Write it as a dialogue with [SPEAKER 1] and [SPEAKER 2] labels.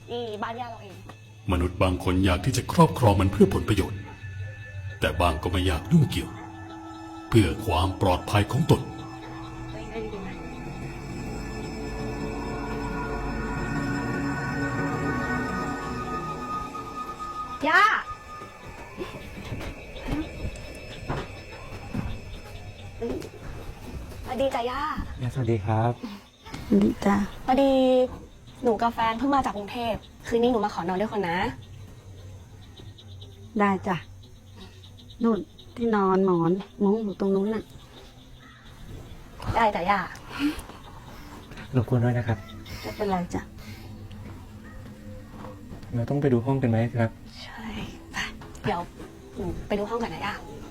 [SPEAKER 1] นี่บ้านย่าเราเอง
[SPEAKER 2] มนุษย์บางคนอยากที่จะครอบครองมันเพื่อผลประโยชน์ แต่บางก็ไม่อยากยุ่งเกี่ยว เพื่อความปลอดภัยของตน
[SPEAKER 1] ได้ดีไหมย่าสวัสดีจ้ะย่า
[SPEAKER 3] สวัสดีครับ
[SPEAKER 4] ดีจ้ะ
[SPEAKER 1] พอดีหนูกับแฟนเพิ่งมาจากกรุงเทพคืนนี้หนูมาขอนอนด้วยคนนะ
[SPEAKER 4] ได้จ้ะนู่นที่นอนหมอนมุ้งอยู่ตรงนู้นน่ะ
[SPEAKER 1] ได้จ้ะย่าร
[SPEAKER 3] บกวนด้วยนะครับ
[SPEAKER 4] ไม่เป็นไรจ้ะ
[SPEAKER 3] เราต้องไปดูห้องกันไหมครับ
[SPEAKER 1] ใช่ไปเดี๋ยวหนูไปดูห้องกันนะย่า